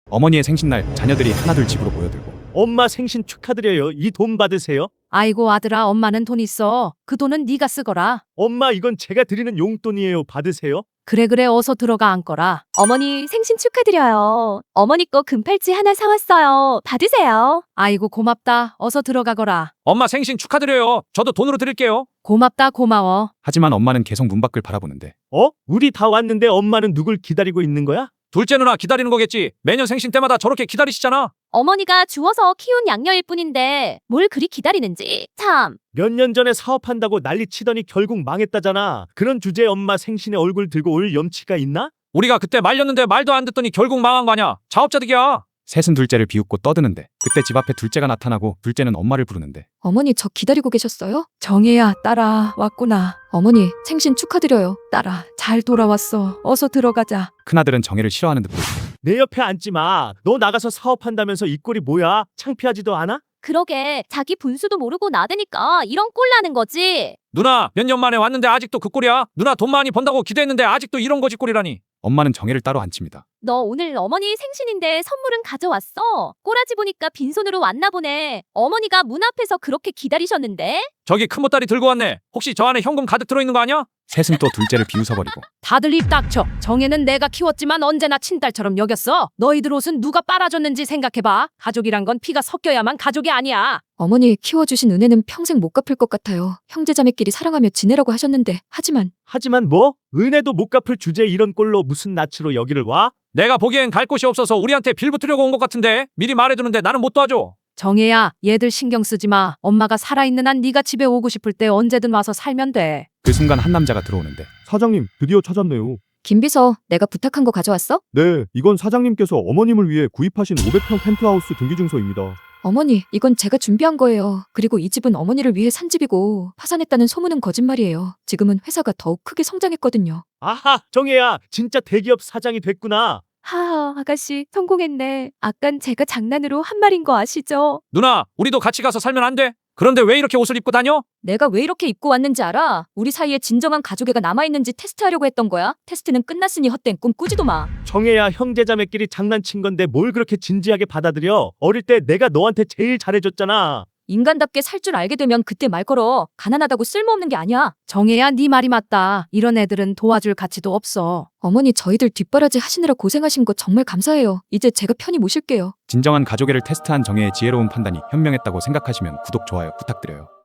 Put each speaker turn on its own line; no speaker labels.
어머니의 생신날 자녀들이 하나둘 집으로 모여들고
엄마 생신 축하드려요. 이 돈 받으세요.
아이고 아들아, 엄마는 돈 있어. 그 돈은 네가 쓰거라.
엄마 이건 제가 드리는 용돈이에요. 받으세요.
그래 어서 들어가 앉거라.
어머니 생신 축하드려요. 어머니 거 금팔찌 하나 사왔어요. 받으세요.
아이고 고맙다. 어서 들어가거라.
엄마 생신 축하드려요. 저도 돈으로 드릴게요.
고맙다 고마워.
하지만 엄마는 계속 문 밖을 바라보는데
우리 다 왔는데 엄마는 누굴 기다리고 있는 거야?
둘째 누나 기다리는 거겠지. 매년 생신 때마다 저렇게 기다리시잖아.
어머니가 주워서 키운 양녀일 뿐인데 뭘 그리 기다리는지 참.
몇 년 전에 사업한다고 난리 치더니 결국 망했다잖아. 그런 주제에 엄마 생신에 얼굴 들고 올 염치가 있나?
우리가 그때 말렸는데 말도 안 듣더니 결국 망한 거 아냐. 자업자득이야.
셋은 둘째를 비웃고 떠드는데 그때 집 앞에 둘째가 나타나고 둘째는 엄마를 부르는데
어머니 저 기다리고 계셨어요?
정혜야 딸아 왔구나.
어머니 생신 축하드려요.
딸아 잘 돌아왔어. 어서 들어가자.
큰아들은 정혜를 싫어하는 듯 보이고
내 옆에 앉지 마. 너 나가서 사업한다면서 이 꼴이 뭐야? 창피하지도 않아?
그러게 자기 분수도 모르고 나대니까 이런 꼴 나는 거지.
누나 몇 년 만에 왔는데 아직도 그 꼴이야. 누나 돈 많이 번다고 기대했는데 아직도 이런 거지 꼴이라니.
엄마는 정혜를 따로 앉힙니다.
너 오늘 어머니 생신인데 선물은 가져왔어? 꼬라지 보니까 빈손으로 왔나 보네. 어머니가 문 앞에서 그렇게 기다리셨는데?
저기 큰보따리 들고 왔네. 혹시 저 안에 현금 가득 들어있는 거 아니야?
셋은 또 둘째를 비웃어버리고
다들 입 닥쳐. 정혜는 내가 키웠지만 언제나 친딸처럼 여겼어. 너희들 옷은 누가 빨아줬는지 생각해봐. 가족이란 건 피가 섞여야만 가족이 아니야.
어머니 키워주신 은혜는 평생 못 갚을 것 같아요. 형제자매끼리 사랑하며 지내라고 하셨는데
하지만 뭐? 은혜도 못 갚을 주제에 이런 꼴로 무슨 낯으로 여기를 와?
내가 보기엔 갈 곳이 없어서 우리한테 빌붙으려고 온 것 같은데 미리 말해두는데 나는 못 도와줘.
정혜야 얘들 신경 쓰지 마. 엄마가 살아있는 한 네가 집에 오고 싶을 때 언제든 와서 살면 돼.
그 순간 한 남자가 들어오는데
사장님, 드디어 찾았네요.
김비서 내가 부탁한 거 가져왔어?
네, 이건 사장님께서 어머님을 위해 구입하신 500평 펜트하우스 등기증서입니다.
어머니 이건 제가 준비한 거예요. 그리고 이 집은 어머니를 위해 산 집이고 파산했다는 소문은 거짓말이에요. 지금은 회사가 더욱 크게 성장했거든요.
아하, 정혜야, 진짜 대기업 사장이 됐구나.
하하, 아가씨 성공했네. 아깐 제가 장난으로 한 말인 거 아시죠?
누나 우리도 같이 가서 살면 안 돼? 그런데 왜 이렇게 옷을 입고 다녀?
내가 왜 이렇게 입고 왔는지 알아? 우리 사이에 진정한 가족애가 남아있는지 테스트하려고 했던 거야. 테스트는 끝났으니 헛된 꿈 꾸지도 마.
정혜야, 형제자매끼리 장난친 건데 뭘 그렇게 진지하게 받아들여? 어릴 때 내가 너한테 제일 잘해줬잖아.
인간답게 살 줄 알게 되면 그때 말 걸어. 가난하다고 쓸모없는 게 아니야.
정혜야 네 말이 맞다. 이런 애들은 도와줄 가치도 없어.
어머니 저희들 뒷바라지 하시느라 고생하신 거 정말 감사해요. 이제 제가 편히 모실게요.
진정한 가족애를 테스트한 정혜의 지혜로운 판단이 현명했다고 생각하시면 구독, 좋아요 부탁드려요.